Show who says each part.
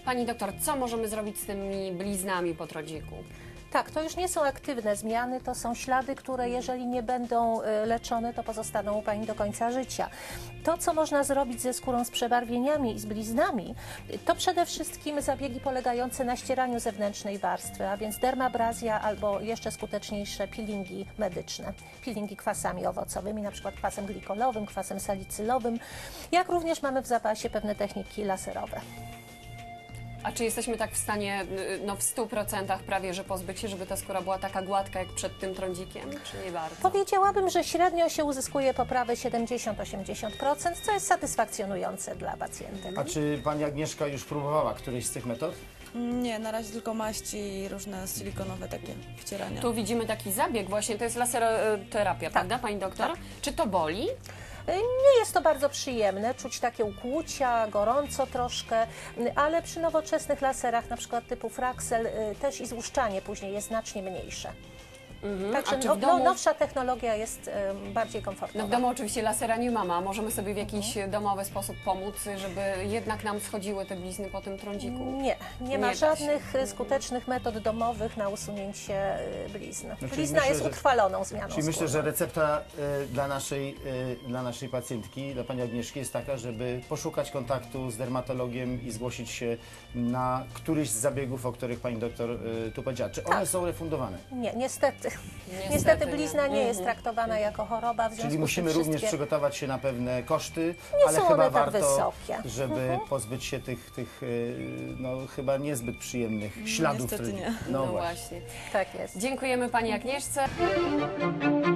Speaker 1: Pani doktor, co możemy zrobić z tymi bliznami po trądziku?
Speaker 2: Tak, to już nie są aktywne zmiany, to są ślady, które jeżeli nie będą leczone, to pozostaną u Pani do końca życia. To, co można zrobić ze skórą z przebarwieniami i z bliznami, to przede wszystkim zabiegi polegające na ścieraniu zewnętrznej warstwy, a więc dermabrazja albo jeszcze skuteczniejsze peelingi medyczne. Peelingi kwasami owocowymi, na przykład kwasem glikolowym, kwasem salicylowym, jak również mamy w zapasie pewne techniki laserowe.
Speaker 1: A czy jesteśmy tak w stanie, no w 100% prawie, że pozbyć się, żeby ta skóra była taka gładka jak przed tym trądzikiem, czy nie bardzo?
Speaker 2: Powiedziałabym, że średnio się uzyskuje poprawę 70–80%, co jest satysfakcjonujące dla pacjentek.
Speaker 3: A czy Pani Agnieszka już próbowała którejś z tych metod?
Speaker 4: Nie, na razie tylko maści i różne silikonowe takie wcierania.
Speaker 1: Tu widzimy taki zabieg właśnie, to jest laseroterapia, prawda Pani doktor?
Speaker 2: Tak.
Speaker 1: Czy to boli?
Speaker 2: Nie jest to bardzo przyjemne, czuć takie ukłucia, gorąco troszkę, ale przy nowoczesnych laserach, na przykład typu Fraxel, też i złuszczanie później jest znacznie mniejsze.
Speaker 1: A czy
Speaker 2: Także
Speaker 1: w domu...
Speaker 2: nowsza technologia jest bardziej komfortowa.
Speaker 1: No w domu oczywiście lasera nie ma, możemy sobie w jakiś domowy sposób pomóc, żeby jednak nam schodziły te blizny po tym trądziku?
Speaker 2: Nie ma
Speaker 1: da się.
Speaker 2: żadnych skutecznych metod domowych na usunięcie blizn.
Speaker 3: czyli
Speaker 2: Blizna
Speaker 3: myślę,
Speaker 2: jest
Speaker 3: że-
Speaker 2: utrwaloną zmianą
Speaker 3: Czyli myślę,
Speaker 2: skóry.
Speaker 3: że recepta dla naszej pacjentki, dla Pani Agnieszki jest taka, żeby poszukać kontaktu z dermatologiem i zgłosić się na któryś z zabiegów, o których Pani doktor tu powiedziała. Czy one są refundowane?
Speaker 2: Nie, niestety.
Speaker 1: Niestety
Speaker 2: Niestety
Speaker 1: nie.
Speaker 2: blizna nie jest traktowana jako choroba, w związku
Speaker 3: Czyli
Speaker 2: z
Speaker 3: musimy
Speaker 2: tym
Speaker 3: również
Speaker 2: wszystkie...
Speaker 3: przygotować się na pewne koszty,
Speaker 2: Nie
Speaker 3: ale
Speaker 2: są
Speaker 3: chyba
Speaker 2: one tak
Speaker 3: warto,
Speaker 2: wysokie.
Speaker 3: żeby pozbyć się tych no, chyba niezbyt przyjemnych śladów.
Speaker 4: Niestety nie.
Speaker 3: No
Speaker 1: No
Speaker 3: właśnie.
Speaker 1: właśnie.
Speaker 2: Tak jest.
Speaker 1: Dziękujemy Pani Agnieszce.